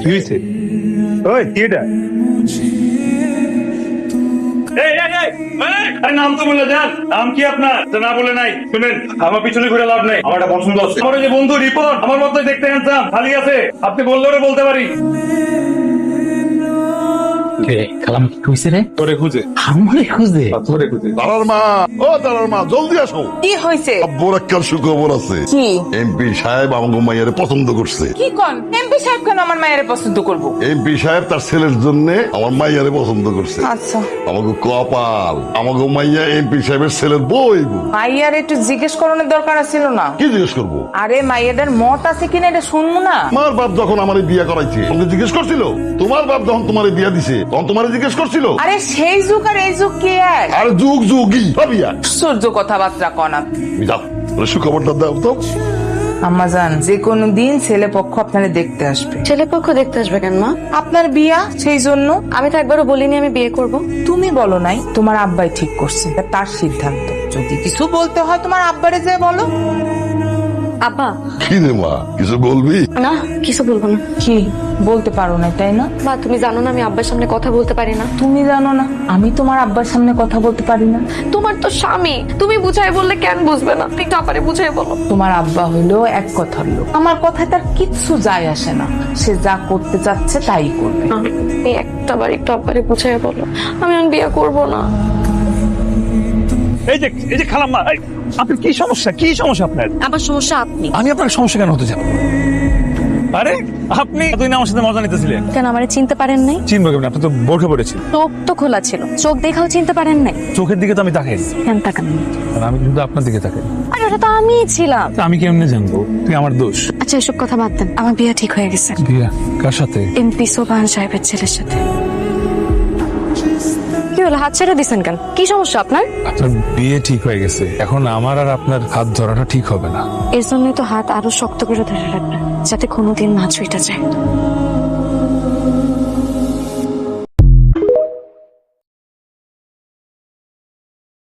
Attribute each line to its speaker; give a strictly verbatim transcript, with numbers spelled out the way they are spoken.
Speaker 1: কি হয়েছে? ওই কি এটা? এই, এই, এই, এই, আরে নাম তো বলে যান। নাম কি আপনার? তো না বলে নাই। শুনেন, আমার পিছনে ঘুরে লাভ নাই। আমার একটা পছন্দ আছে। আমার ওই যে বন্ধু রিপন, আমার মতোই দেখতে হ্যান্ডসাম, খালি আছে। আপনি বললেও বলতে পারি।
Speaker 2: কালাম কি কইছে রে?
Speaker 1: তোরে খুঁজে।
Speaker 2: আমারে খুঁজে?
Speaker 1: তোরে খুঁজে।
Speaker 3: দাঁড়ার মা, ও দাঁড়ার মা, জলদি আসো।
Speaker 4: কি হয়েছে?
Speaker 3: আব্বুর একটা সুখবর আছে।
Speaker 4: কি?
Speaker 3: এমপি সাহেব আমাকে মাইয়ারে পছন্দ করছে।
Speaker 4: কি কোন? এমপি সাহেব কেন আমার মায়ের পছন্দ করবো?
Speaker 3: এমপি সাহেব তার ছেলের জন্য আমার মাইয়ারে পছন্দ করছে।
Speaker 4: আচ্ছা,
Speaker 3: আমাকে কপাল, আমাকে মাইয়া এমপি সাহেবের ছেলের বই।
Speaker 4: মাইয়ার একটু জিজ্ঞেস করানোর দরকার ছিল না?
Speaker 3: কি জিজ্ঞেস করবো?
Speaker 4: আরে মাইয়াদের মত আছে কিনা এটা শুনবো না?
Speaker 3: তোমার বাপ যখন আমার বিয়ে করাইছে তোমাকে জিজ্ঞেস করছিল? তোমার বাপ যখন তোমার বিয়ে দিছে তখন তোমার জিজ্ঞেস করছিল?
Speaker 4: আরে সেই যুগ আর এই যুগ কি এক?
Speaker 3: আর যুগ যুগই ভাবি এক।
Speaker 4: সূর্য কথাবার্তা কনা।
Speaker 3: তুমি যাও, ওরে সুখবরটা দাও তো।
Speaker 4: আম্মা জান, যে কোনো দিন ছেলে পক্ষ আপনারে দেখতে আসবে।
Speaker 5: ছেলে পক্ষ দেখতে আসবে কেন মা?
Speaker 4: আপনার বিয়া, সেই জন্য।
Speaker 5: আমি তো একবারও বলিনি আমি বিয়ে করব।
Speaker 4: তুমি বলো নাই, তোমার আব্বাই ঠিক করছে, এটা তার সিদ্ধান্ত। যদি কিছু বলতে হয় তোমার আব্বারে যে বলো।
Speaker 5: আব্বা।
Speaker 3: কি রে মা, কিছু বলবি?
Speaker 5: না, কিছু বলবো না।
Speaker 4: কি বলতে পারো না তাই না?
Speaker 5: মা তুমি জানো না আমি আব্বার সামনে কথা বলতে পারি না।
Speaker 4: তুমি জানো না আমি তোমার আব্বার সামনে কথা বলতে পারি না?
Speaker 5: তোমার তো স্বামী, তুমি বুঝাই বললে কেন বুঝবে না? একটু আপারে বুঝাই বলো।
Speaker 4: তোমার আব্বা হইলো এক কথার লোক, আমার কথায় তার কিচ্ছু যায় আসে না। সে যা করতে চাচ্ছে তাই করবে।
Speaker 5: তুমি একটা বার একটু আপারে বুঝাই বলো, আমি আর বিয়ে করব না।
Speaker 1: এই যে, এই যে খালাম্মা, এই, আপনার কি সমস্যা? কি সমস্যা আপনার?
Speaker 5: আমার সমস্যা আপনি।
Speaker 1: আমি আপনার সমস্যা কেন হতে যাব? আরে আপনি তুই না আমার সাথে মজা নিতেছিলেন।
Speaker 5: কেন আমারে চিনতে পারেন নাই?
Speaker 1: চিনবো কেমন? আপনি তো বোরখা পড়েছেন।
Speaker 5: চোখ তো খোলা ছিল, চোখ দেখাও চিনতে পারেন নাই?
Speaker 1: চোখের দিকে তো আমি তাকাই,
Speaker 5: কেন তাকান?
Speaker 1: আমি শুধু আপনার দিকে তাকাই।
Speaker 5: আরে ওটা তো আমিই ছিলাম।
Speaker 1: আমি কেমনে জানবো তুই আমার দোষ?
Speaker 5: আচ্ছা এসব কথা বাদ দেন, আমার বিয়ে ঠিক হয়ে গেছে।
Speaker 1: বিয়া কার সাথে?
Speaker 5: এমপি সোবাহান সাহেবের ছেলের সাথে। কি হলো, হাত ছেড়ে দিছেন কেন? কি সমস্যা আপনার?
Speaker 1: আপনার বিয়ে ঠিক হয়ে গেছে, এখন আমার আর আপনার হাত ধরাটা ঠিক হবে না।
Speaker 5: এর জন্যই তো হাত আরো শক্ত করে ধরে রাখবেন, যাতে কোনোদিন না ছুঁইটা যায়।